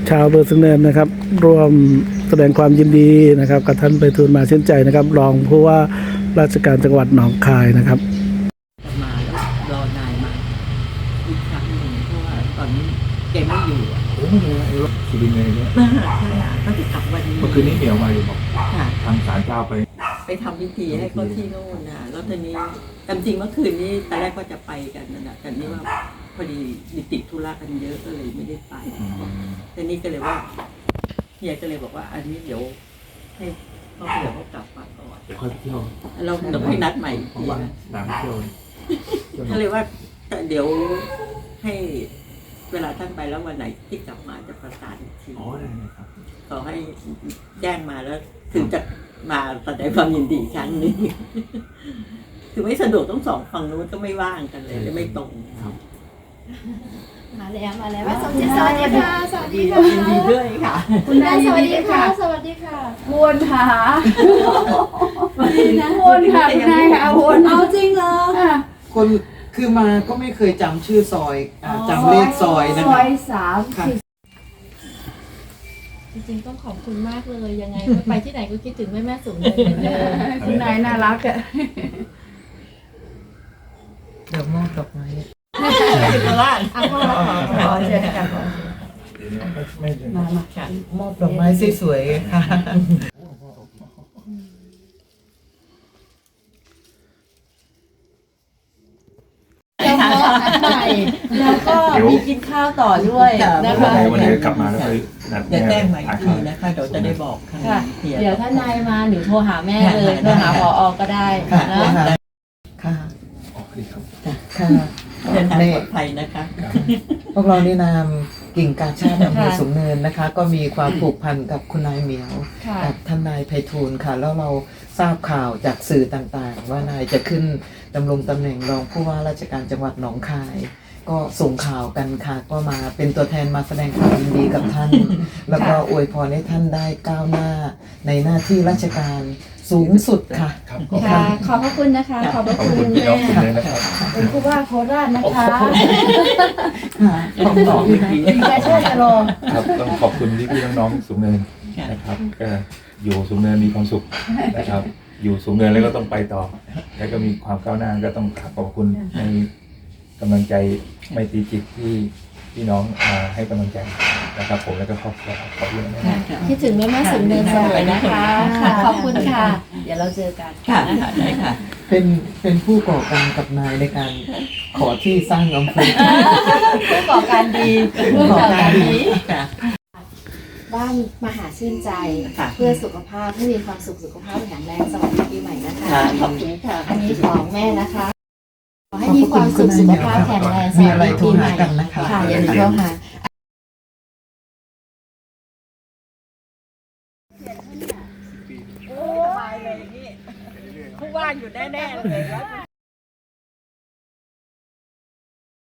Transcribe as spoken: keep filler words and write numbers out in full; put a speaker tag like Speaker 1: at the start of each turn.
Speaker 1: ชาวอำเภอสูงเนินนะครับร่วมแสดงความยินดีนะครับกับท่านไพฑูรย์มาชื่นใจนะครับรองผู้ว่าราชการจังหวัดหนองคายนะครับ
Speaker 2: มาแล้วรอนายมาอีกครั้งหนึ่งเพราะว่าตอนนี้แกไม่อยู่อ่ะ
Speaker 3: โอ้โหรถสุรินทร์เลยเนี่ย
Speaker 2: ใช่อ่ะก็จะกลับวันนี้
Speaker 3: เมื่อคืนนี้เหมียวมาอยู่บอก
Speaker 2: ค่ะ
Speaker 3: ทางศาลเจ้าไป
Speaker 2: ไปทำพิธีให้เขาที่โน่นนะแล้วทีนี้ตามจริงเมื่อคืนนี้ตอนแรกก็จะไปกันนะนะแต่นี่ว่าพอดีติดธุระกันเยอะก็เลยไม่ได้ไปทีนี้ก็เลยว่าเฮียก็เลยบอกว่า อันนี้เดี๋ยวให้เขาเดี๋ยวเขากลับมาก่อน
Speaker 3: เดี๋ยวค่อยไปเที่ยว
Speaker 2: เราต้องให้นัดใหม่อีก
Speaker 3: ของ
Speaker 2: ที
Speaker 3: บ้าน
Speaker 2: นะ
Speaker 3: น้ำไปเที่ยว
Speaker 2: ก็เลยว่าเดี๋ยวให้เวลาท่านไปแล้ววันไหนที่กลับมาจะประสานอีกที
Speaker 3: อ๋อได้เลยครับ
Speaker 2: ขอให้แจ้งมาแล้วถึงจะมาแสดงความยินดีอีกครั้งหนึงคือไม่สะดวกต้องสองฝั่งนู้นก็ไม่ว่างกันเลยไม่ตรง
Speaker 3: ครับ
Speaker 4: มาแล้วมาแล้วสวัสดีค่ะสวัสดีค่ะ
Speaker 2: ยินดีด้วยค่ะ
Speaker 4: คุณนายสวัสดีค่ะสวัสดีค่ะวนค่ะวนค่ะคุณนายค่ะวนเอาจริงเหรอ
Speaker 5: คนคือมาก็ไม่เคยจำชื่อซอยอ่าจำเลขซอยนะ
Speaker 4: ซ
Speaker 5: คะ
Speaker 4: อยสาม
Speaker 5: ค่ะ
Speaker 6: จริงๆต้องขอบคุณมากเลยยังไงไปที่ไหนก็คิดถึงแม่แม่สูงเลยเหมือนเดิม
Speaker 4: คุณนายน่ารักอ่ะ
Speaker 5: เดี๋ยวมอบดอกไม้
Speaker 2: โคราช
Speaker 4: อ่ะพ่อขอเชิญค่ะ
Speaker 3: ไม่ไม่
Speaker 5: มามาค่ะมอบดอกไม้สวยๆค่ะ
Speaker 4: แล้วก็ใหม่แล้วก็มีกินข้าวต่อด้วยนะคะ
Speaker 3: วันนี้กลับมาแล้วไปนัด
Speaker 2: เดี๋ยวแจ้งมาอี
Speaker 3: ทาก น
Speaker 2: ที
Speaker 3: ข้าว
Speaker 2: นะคะเดี๋ยวจะได้บอกค่ะ
Speaker 4: ค่ะ เดี๋ยวถ้านายมาหนูโทรหาแม่เลยโทรหาผอก็ได้
Speaker 5: ค่ะ
Speaker 4: นะ
Speaker 5: ค่ะค่ะ
Speaker 3: อ๋อดีครับ
Speaker 5: ค่ะ
Speaker 2: เดินทาง
Speaker 5: ใน
Speaker 2: ปลอดภัยนะคะ
Speaker 5: พวกเราในนามกิ่งกาชาติอำเภอสูงเนินนะคะ ก็มีความผูกพันกับคุณนายเหมียว
Speaker 4: ค่ะ
Speaker 5: กับท่านนายไพฑูรย์ค่ะ แล้วเราทราบข่าวจากสื่อต่างๆ ว่านายจะขึ้นดำรงตำแหน่งรองผู้ว่าราชการจังหวัดหนองคาย ก็ส่งข่าวกันค่ะ ก็มาเป็นตัวแทนมาแสดงความยินดีกับท่าน แล้วก็อวยพรให้ท่านได้ก้าวหน้าในหน้าที่ราชการสูงสุดค่ะ
Speaker 3: ครับ
Speaker 4: ค่ะ ขอบพระคุณนะคะ ขอบพระ
Speaker 3: ขอบ
Speaker 4: คุ
Speaker 3: คุณ
Speaker 4: ณ
Speaker 3: พี่น้
Speaker 4: แม่
Speaker 3: องทุกท่านนะครับ
Speaker 4: เป็นผู้ว่าโคราชนะคะ
Speaker 5: ค่ะขอบ
Speaker 2: บอก
Speaker 5: คุ
Speaker 2: อี
Speaker 5: ณ
Speaker 2: กที
Speaker 4: มีการช่วยจะรอ
Speaker 3: ครับต้องขอบคุณพี่พี่ๆน้องๆสูงเนิน
Speaker 2: ค่ะ
Speaker 3: นะครับก็อยู่สูงเนินมีความสุขนะครับ อยู่สูงเนินแล้วก็ต้องไปต่อ แล้วก็มีความก้าวหน้าก็ต้องขอบคุณในกำลังใจไมตรีจิตที่พี่น้องมาให้กำลังใจนะครับ ผมแล้วก็ครอบครัวขอบคุณนะครับ
Speaker 4: คิดถึงแม่แม่สูงเนินเสมอนะคะค่ะ ขอบคุณค่ะ เดี๋ยวเราเจอกัน
Speaker 2: ค่ะ
Speaker 4: นะคะ
Speaker 2: ได้ค่ะ
Speaker 5: เป็นเป็นผู้ก่อการกับนายในการขอที่สร้างอำเภอ
Speaker 4: ผู้ก่อการดีผู้ก่อการดี
Speaker 2: ค่ะ
Speaker 4: บ้านมหาชื่นใจ
Speaker 2: ค่ะ
Speaker 4: เพื่อสุขภาพให้มีความสุขสุขภาพแข็งแรงสวัสดีปีใหม่นะคะ
Speaker 2: ค่ะขอบคุณค่ะ
Speaker 4: อันนี้ของแม่นะคะ ขอให้มีความสุขสุขภาพแข็งแรงส
Speaker 5: มี
Speaker 4: วัส
Speaker 5: อะไร
Speaker 4: ดี
Speaker 5: โทร
Speaker 4: ปีให
Speaker 5: หา
Speaker 4: ม่
Speaker 5: กันนะคะ
Speaker 4: ค่ะอย่าลืมโทรหา
Speaker 2: ผู้ว่าอยู่แน่ๆเลยแล้ว